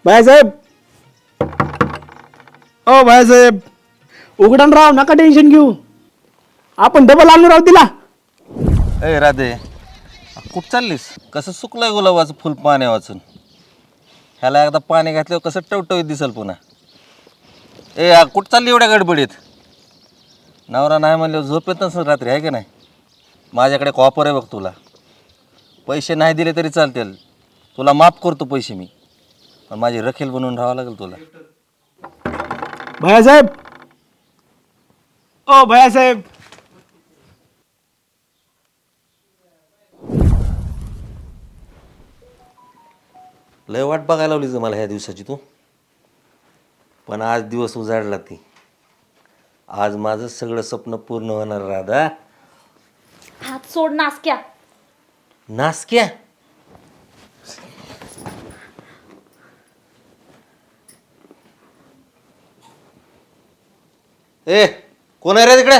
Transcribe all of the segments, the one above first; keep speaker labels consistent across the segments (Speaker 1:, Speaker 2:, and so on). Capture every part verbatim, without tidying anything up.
Speaker 1: बाळासाहेब, ओ बाळासाहेब, उघडण राव, नका टेन्शन घेऊ. आपण डबल आणू राव तिला.
Speaker 2: ए राधे, कुठं चाललीस? कसं सुकलंय गुलाबाचं फुल पाणी वाचून. ह्याला एकदा पाणी घातल्यावर कसं टवटवीत दिसल पुन्हा. ए आ, कुठं चालली एवढ्या गडबडीत? नवरा नाही म्हणल्यावर झोप येत नसेल रात्री, आहे की नाही? माझ्याकडे एक ऑफर आहे बघ तुला. पैसे नाही दिले तरी चालतील, तुला माफ करतो पैसे मी, पण माझी रखेल बनवून राहावं लागेल तुला.
Speaker 1: बाळासाहेब, ओ बाळासाहेब,
Speaker 2: लय वाट बघायला लावलीच मला ह्या दिवसाची तू, पण आज दिवस उजाडला ती. आज माझं सगळं स्वप्न पूर्ण होणार राधा.
Speaker 3: हात सोड नासक्या.
Speaker 2: नासक्या? ए कोण आहे रे तिकडे?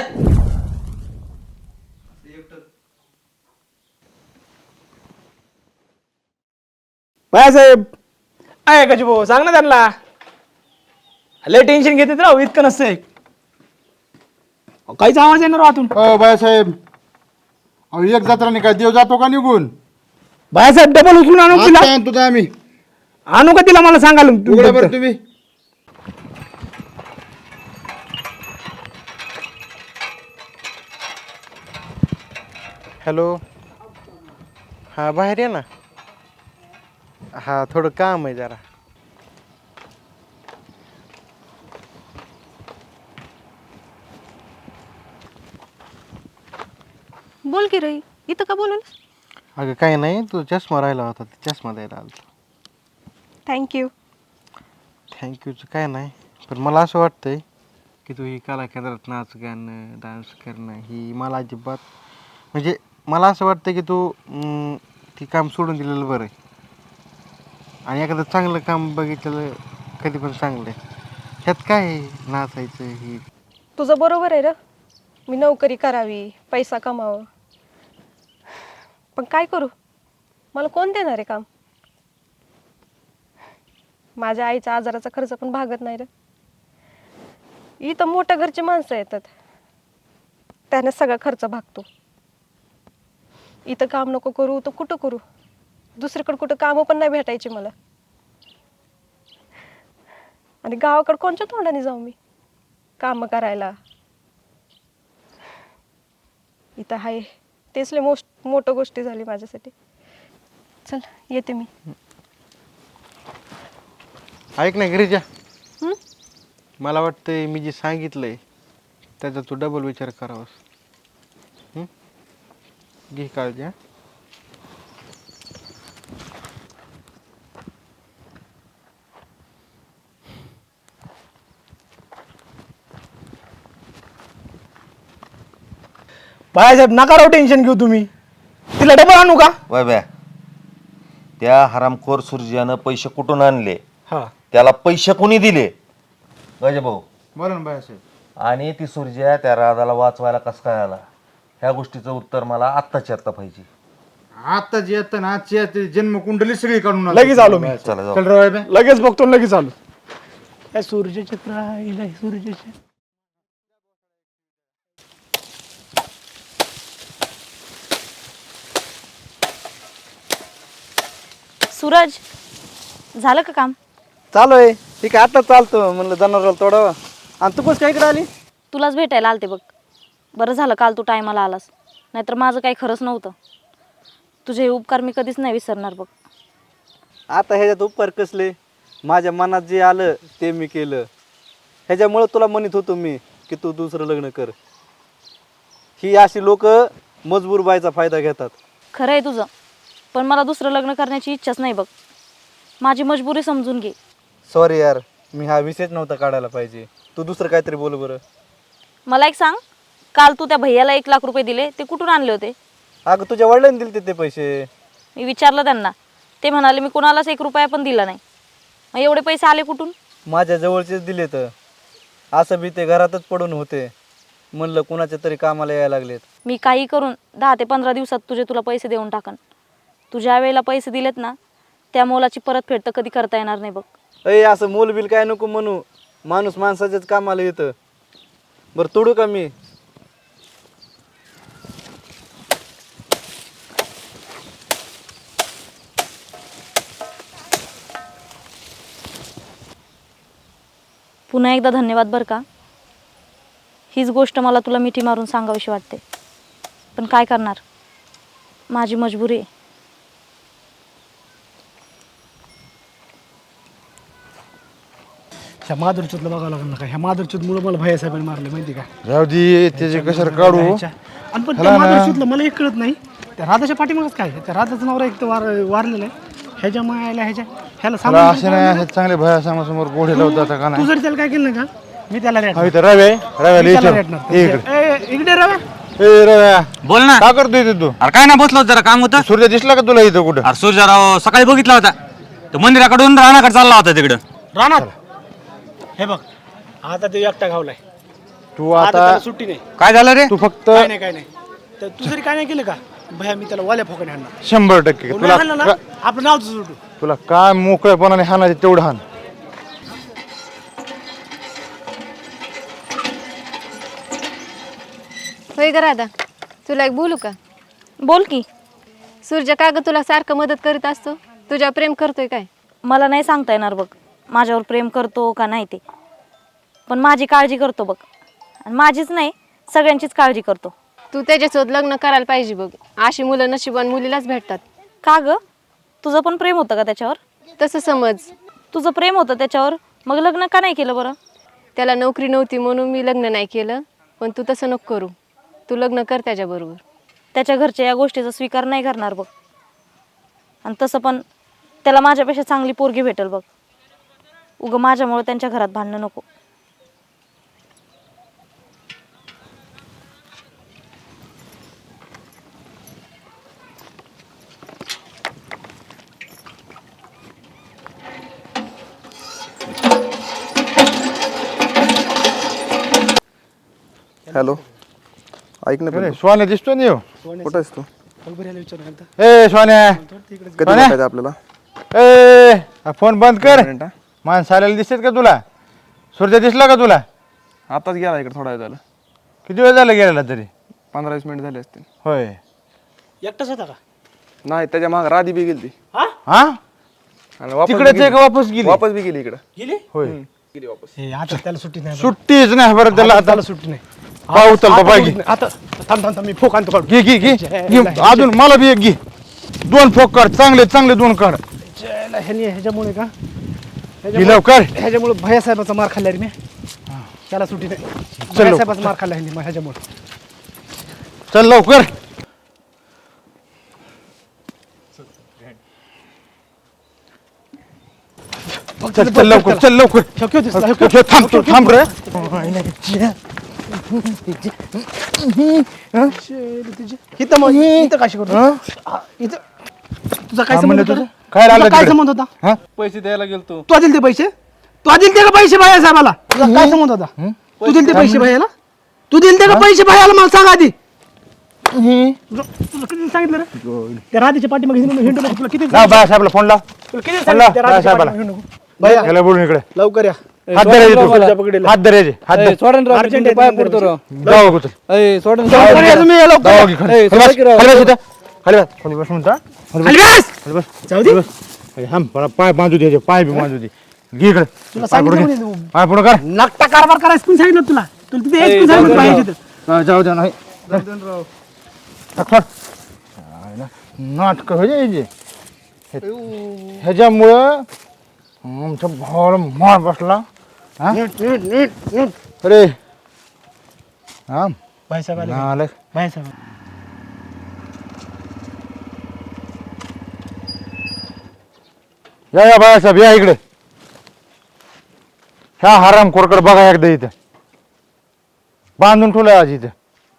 Speaker 1: बाळासाहेब, आहे का भाऊ, सांग ना त्यांना. लय टेन्शन घेतात राव, इतकं नसतंय. काहीच आवाज येणार आतून.
Speaker 4: हो बाळासाहेब, अहो एक जत्रा नाही काय देव जातो का निघून?
Speaker 1: बाळासाहेब, डबल उचलून आणू तिला.
Speaker 4: आता आणतो तर आम्ही.
Speaker 1: आणू का तिला, मला सांगाल
Speaker 4: उघडा बरं तुम्ही.
Speaker 5: हॅलो, हां बाहेर ये ना. हां थोडं काम आहे जरा.
Speaker 3: बोल की रे, इथं का बोलून?
Speaker 5: अगं काही नाही, तू चष्मा राहिला होता, ते चष्मा द्यायला आलो.
Speaker 3: थँक्यू.
Speaker 5: थँक्यूचं काय नाही, पण मला असं वाटतंय की तू ही कला केंद्रात नाच गाणं डान्स करणं ही मला अजिबात, म्हणजे मला असं वाटतं की तू अं, ती काम सोडून दिलेलं बरं आहे. आणि एखादं चांगलं काम बघितलेलं कधी पण चांगलं आहे. ह्यात काय आहे नाचायचं ही.
Speaker 6: तुझं बरोबर आहे र, मी नोकरी करावी, पैसा कमावं, पण काय करू, मला कोण देणार आहे काम? माझ्या आईच्या आजाराचा खर्च पण भागत नाही र. इथं मोठ्या घरची माणसं येतात, त्याने सगळा खर्च भागतो. इथं काम नको करू तर कुठं करू? दुसरीकडे कुठं कामं पण नाही भेटायची मला. आणि गावाकडे कोणत्या तोंडाने जाऊ मी काम करायला? इथं आहे तेच लय मोस्ट मोठं गोष्टी झाली माझ्यासाठी. चल येते मी.
Speaker 5: ऐक ना गिरिजा,
Speaker 6: हं?
Speaker 5: मला वाटतंय मी जे सांगितलंय त्याचा तू डबल विचार करावास. हं? घे काळजी. हां
Speaker 1: बाळासाहेब, नका राव टेन्शन घेऊ तुम्ही. तिला डबल आणू का?
Speaker 2: वय ब्या, त्या हरामखोर सूर्यानं पैसे कुठून आणले,
Speaker 1: हा,
Speaker 2: त्याला पैसे कोणी दिले? गजे भाऊ.
Speaker 4: बोला ना बाळासाहेब.
Speaker 2: आणि ती सूर्या त्या राधाला वाचवायला कसं काय आला, ह्या गोष्टीचं उत्तर मला आत्ताच्या आत्ता पाहिजे.
Speaker 4: आता जे येतं ना, आजची येते जन्म कुंडली सगळी काढून आणतो.
Speaker 1: लगेच आलो मी.
Speaker 2: चला जाऊ.
Speaker 4: चल रे बाबा.
Speaker 1: लगेच बघतो, लगेच आलो. काय सूर्यचक्र आहे, सूर्यचक्र.
Speaker 3: सूरज, झालं का काम?
Speaker 1: चालू आहे. ठीक आहे, आता चालतो म्हणलं जनावराला तोडावं. आणि तू कसं काय इकडे आली?
Speaker 3: तुलाच भेटायला आलते बघ. बरं झालं काल तू टायमाला आलास, नाहीतर माझं काही खरंच नव्हतं. तुझे हे उपकार मी कधीच नाही विसरणार बघ.
Speaker 7: आता ह्याच्यात उपकार कसले? माझ्या मनात जे आलं ते मी केलं. ह्याच्यामुळं तुला म्हणत होतो मी की तू दुसरं लग्न कर. ही अशी लोक मजबूर बायचा फायदा घेतात.
Speaker 3: खरं आहे तुझं, पण मला दुसरं लग्न करण्याची इच्छाच नाही बघ. माझी मजबुरी समजून घे.
Speaker 7: सॉरी यार, मी हा विषयच नव्हता काढायला पाहिजे. तू दुसरं काहीतरी बोल बरं.
Speaker 3: मला एक सांग, काल तू त्या भैयाला एक लाख रुपये दिले, ते कुठून आणले होते?
Speaker 7: अगं तुझ्या वडिलांनी दिले ते पैसे.
Speaker 3: मी विचारलं त्यांना, ते म्हणाले मी कुणालाच एक रुपया पण दिला नाही. मग एवढे पैसे आले कुठून?
Speaker 7: माझ्या जवळचेच दिले तर. असं बी ते घरातच पडून होते, म्हणलं कुणाच्या तरी कामाला यायला लागलेत.
Speaker 3: मी काही करून दहा ते पंधरा दिवसात तुझे तुला पैसे देऊन टाकन. तुझ्या वेळेला पैसे दिलेत ना, त्या मोलाची परतफेड तर कधी करता येणार नाही बघ.
Speaker 7: अय असं मोलबिल काय नको म्हणू, माणूस माणसाच्याच कामाला येतं. बरं तोडू का मी?
Speaker 3: पुन्हा एकदा धन्यवाद बरं का. हीच गोष्ट मला तुला मिठी मारून सांगावीशी वाटते, पण काय करणार, माझी मजबुरी आहे.
Speaker 1: ह्या माधुरचूतला बघावं लागेल ना का, ह्या माधुरचूतमुळे मला भैया साहेबांनी मारले माहिती का.
Speaker 4: जाऊ दे त्याचे कशाला काढू.
Speaker 1: आणि पण त्या माधुरचूतला मला एक कळत नाही, त्या राधाच्या पाठीमागच काय, त्या राधाचं नवरा एक तर वार वारलेलं आहे, ह्याच्या मायाला ह्याच्या ह्याला
Speaker 4: त्याला
Speaker 1: सांभाळून
Speaker 4: असे नाही असे चांगले भया समोर गोडे लावत आता का
Speaker 1: तू
Speaker 4: नाही.
Speaker 1: जर त्याला काय केलं ना का, मी त्याला रेट
Speaker 4: हा, इथं रव्या आहे. रव्याला
Speaker 1: मी त्याला
Speaker 4: इथं.
Speaker 1: रेटणार.
Speaker 4: ये इकडे.
Speaker 1: ए, इकडे रव्या.
Speaker 4: ए रव्या
Speaker 8: बोल ना.
Speaker 4: का करतोय इथे तू?
Speaker 8: अरे काय ना बसलो जरा काम होतं.
Speaker 4: सूर्य दिसला का तुला इथं कुठं?
Speaker 8: अरे सूर्यराव सकाळी बघितला होता, तो मंदिराकडून रानाकडे चालला होता तिकडं.
Speaker 1: रानात. हे बघ आता ते एकटा घावलाय,
Speaker 4: तू
Speaker 1: आता
Speaker 4: आता
Speaker 1: त्याला सुट्टी नाही.
Speaker 8: काय झालं रे?
Speaker 4: तू फक्त
Speaker 1: काय नाही काय नाही, तर तू जरी काय नाही केलं का भैया, मी त्याला वाल्या फोकाने आणणार.
Speaker 4: शंभर टक्के
Speaker 1: तुला
Speaker 4: तुला
Speaker 1: ना आपलं नाव सुटू.
Speaker 4: तुला काय मोकळेपणाने हाणायचे तेवढं हाण.
Speaker 6: होय ग राधा, तुला एक बोलू का?
Speaker 3: बोल की.
Speaker 6: सूर्य का ग तुला सारखं मदत करीत असतो, तुझ्या प्रेम करतोय काय?
Speaker 3: मला नाही सांगता येणार बघ माझ्यावर प्रेम करतो का नाही ते, पण माझी काळजी करतो बघ, आणि माझीच नाही सगळ्यांचीच काळजी करतो.
Speaker 6: तू त्याच्यासोबत लग्न करायला पाहिजे बघ, अशी मुलं नशिबान मुलीलाच भेटतात.
Speaker 3: का ग, तुझं पण प्रेम होतं का त्याच्यावर?
Speaker 6: तसं समज.
Speaker 3: तुझं प्रेम होतं त्याच्यावर, मग लग्न का नाही केलं बरं?
Speaker 6: त्याला नोकरी नव्हती म्हणून मी लग्न नाही केलं, पण तू तसं नको करू, तू लग्न कर त्याच्याबरोबर.
Speaker 3: त्याच्या घरचे या गोष्टीचा स्वीकार नाही करणार बघ, आणि तसं पण त्याला माझ्यापेक्षा चांगली पोरगी भेटेल बघ. उगं माझ्यामुळे त्यांच्या घरात भांडणं नको.
Speaker 9: हॅलो, ऐक ना
Speaker 4: अरे,
Speaker 9: पिंटू.
Speaker 4: स्वाने दिसतोय ना ह्यो?
Speaker 9: कुठं आहेस तू?
Speaker 4: ए स्वाने
Speaker 9: कधी
Speaker 4: सोन्या?
Speaker 9: भेटायचं आपल्याला?
Speaker 4: ए हा फोन बंद कर.
Speaker 9: मिनिट हा.
Speaker 4: माणसं आलेलं दिसत का तुला? सूर्य दिसला का तुला?
Speaker 9: आताच गेला इकडे, थोडा वेळ झाला.
Speaker 4: किती वेळ झाला गेलेला तरी?
Speaker 9: पंधरा वीस मिनिट झाले असतील.
Speaker 4: होय.
Speaker 1: एकटाच होता का?
Speaker 9: नाही, त्याच्या माग राधी बी गेली.
Speaker 1: हा
Speaker 4: हा
Speaker 9: आणि वापस
Speaker 4: तिकडेच
Speaker 9: बी
Speaker 4: आहे
Speaker 9: गेली.
Speaker 4: का वापस गेली?
Speaker 9: वापस बी गेली इकडं.
Speaker 1: गेली.
Speaker 4: होय.
Speaker 9: गेली वापस.
Speaker 1: हे आता त्याला सुट्टी नाही.
Speaker 4: सुट्टीच नाही बरं त्याला आता.
Speaker 1: त्याला सुट्टी नाही.
Speaker 4: पाहू चल
Speaker 1: आता
Speaker 4: बाबा
Speaker 1: सुट्टी
Speaker 4: घे.
Speaker 1: नाही. आता थांब थांब थांब, मी फोक आणतो काढून.
Speaker 4: घे घे घे घे. अजून मला बी एक घे. दोन फोक काढ, चांगले चांगले दोन काढ.
Speaker 1: ज्याला ह्यानी ह्याच्यामुळे का
Speaker 4: घे लवकर.
Speaker 1: ह्याच्यामुळे भैया साहेबाचा मार खाल्ला रे मी. त्याला सुट्टी नाही. भैया साहेबाचा मार खाल्ला ह्यानी मग ह्याच्यामुळे.
Speaker 4: चल लवकर. चल चल लवकर चल लवकर.
Speaker 1: शक्य होतीस ना,
Speaker 4: ठेव, ठेव, थांब तू, थांब रे.
Speaker 1: इथं मग इथं काय करतो? हा, इथं तुझा काय
Speaker 4: हा,
Speaker 1: संबंध
Speaker 4: म्हणलं
Speaker 1: होता?
Speaker 4: तुझं? काय
Speaker 1: तुझा
Speaker 4: लागलं
Speaker 1: काय
Speaker 4: तिकडे?
Speaker 1: संबंध होता?
Speaker 4: हा?
Speaker 7: पैसे द्यायला गेलतो.
Speaker 1: तू दिले ते पैसे? तू दिले ते का पैसे भैया साहेबाला? तुझा काय संबंध होता? तू दिले ते पैसे भैयाला? तू दिले ते का पैसे भैयाला मला सांग आधी. तुला तुला किती सांगितलं रे? त्या राधेच्या पाठीमागे हिंडू हिंडू नको. तुला किती
Speaker 4: लाव बाळासाहेबला फोन लाव.
Speaker 1: तुला किती
Speaker 4: लाव,
Speaker 1: सांगितलं त्या राधेच्या
Speaker 4: बाळासाहेबाला.
Speaker 1: पाठीमागे हिंडू नको? भैया
Speaker 4: याला बोलून इकडे.
Speaker 1: लवकर या.
Speaker 4: हात धरायचे
Speaker 1: तुझ्या
Speaker 4: तू.
Speaker 1: पकडीला.
Speaker 4: हात धरायचे. हात धर.
Speaker 1: अर्जंट आहे,
Speaker 7: पाय पडतो राव.
Speaker 4: जाऊ अगोदर.
Speaker 1: लवकर या तुम्ही, लवकर
Speaker 4: जाऊ
Speaker 1: या.
Speaker 4: अगोदर. खाली बस, खाली बस, खाली बस इथं. खाली बस, खाली बस म्हणता. खाली
Speaker 1: खाली
Speaker 4: बस,
Speaker 1: बस.
Speaker 4: खाली बस.
Speaker 1: जाऊ दे.
Speaker 4: खाली बस. ए, थांब, मला पाय बांधू दे, पाय बी बांधू दे. घे इकडे.
Speaker 1: तुला
Speaker 4: पाय पुढे
Speaker 1: सांगितलं
Speaker 4: घे.
Speaker 1: म्हणे तू.
Speaker 4: पाय पुढे कर.
Speaker 1: नकटा कारभार करायचं पण सांगितलं तुला. तुला तिथे एक पण सांगितलं पाहिजे तिथं.
Speaker 4: हा, जाऊ द्या नाही नाटक व्हायचे ह्याच्यामुळं आमच्या भावाला मार बसला. हा? अरे हा
Speaker 1: भाई साहेब आले.
Speaker 4: नालायक.
Speaker 1: भाई साहेब
Speaker 4: या या बाळासाहेब या इकडे. ह्या हराम खोरकडे बघा एकदा इथं बांधून ठेवलाय आज इथं.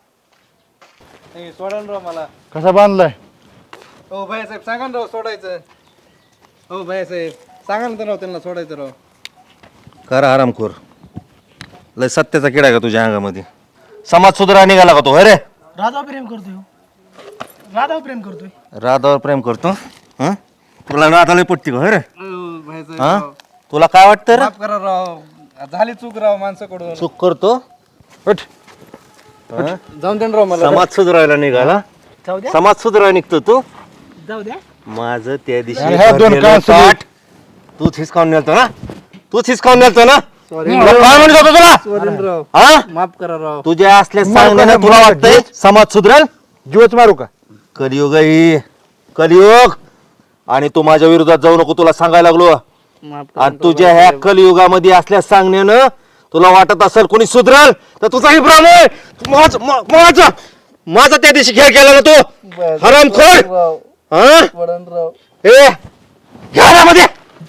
Speaker 7: सोडा ना राव मला.
Speaker 4: कसा बांधलाय?
Speaker 7: हो भैया साहेब सांगा ना राव सोडायचं. हो भैया साहेब सांगा ना राव त्यांना सोडायचं राव.
Speaker 2: कर आरामखोर. लय सत्याचा किडा आहे का तुझ्या अंगामध्ये? समाज सुधारा निघाला का तो? अरे
Speaker 1: राधावर प्रेम करतोय. राधावर प्रेम करतोय.
Speaker 2: राधावर प्रेम करतो. हं? तुला राधाला पटते का? अरे
Speaker 7: हो भैया साहेब
Speaker 2: हा? तुला काय वाटतं रे
Speaker 9: माफ करा राव झाली चूक राव माणसाकडून.
Speaker 2: चूक करतो
Speaker 4: उठ.
Speaker 7: जाऊन दे ना राव मला
Speaker 2: समाज सुधारायला निघाला
Speaker 1: जाऊ द्या
Speaker 2: समाज सुधारायला निघतो तू
Speaker 1: जाऊ द्या
Speaker 2: माझं त्या दिवशी
Speaker 4: अरे ह्या दोन
Speaker 2: भरलेलं
Speaker 4: कान सुरू.
Speaker 2: ताट तूच हिसकावून नेलतो ना तूच हिसकावून नेलतो ना तुला काय म्हणत होतो तुला
Speaker 7: सॉरी राव
Speaker 2: हा
Speaker 7: माफ करा राव
Speaker 2: तुझ्या असल्या सांगण्याने तुला वाटतंय समाज सुधरेल
Speaker 4: जीवच मारू का
Speaker 2: कलियुग आहे ही कलियुग आणि तू माझ्या विरोधात जाऊ नको तुला सांगायला लागलो
Speaker 7: माफ
Speaker 2: आणि तुझ्या ह्या कलियुगामध्ये असल्या सांगण्यानं तुला वाटत असेल कोणी सुधरल तर तुझाही भ्रम आहे माझ- मा- माझा माझा त्या दिवशी खेळ केला ना तू हरामखोर हा
Speaker 7: पडन राव
Speaker 2: ए घरामध्ये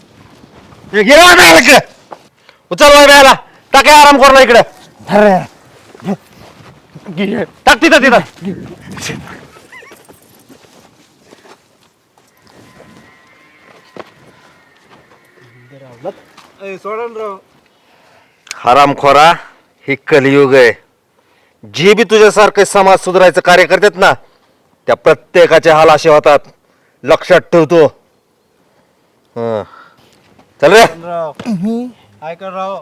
Speaker 2: उचल वाय बेला टाक आराम करला इकडे टाक तिथं तिथं
Speaker 7: सोडन राव
Speaker 2: हरामखोरा ही कलियुग आहे जे बी तुझ्यासारखे समाज सुधारायचं कार्य करतात ना त्या प्रत्येकाचे हाल असे होतात लक्षात ठेवतो हं. चल रे
Speaker 7: राव ऐका राव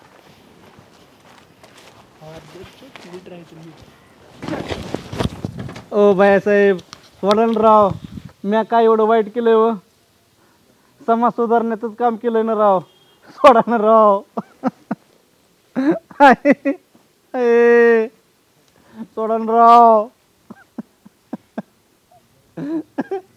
Speaker 7: ओ बायासाहेब सोडन राव मी काय एवढं वाईट केलंय व समाज सुधारण्याचंच काम केलंय ना राव सोडा ना राव आहे, आहे. सोडा ना राव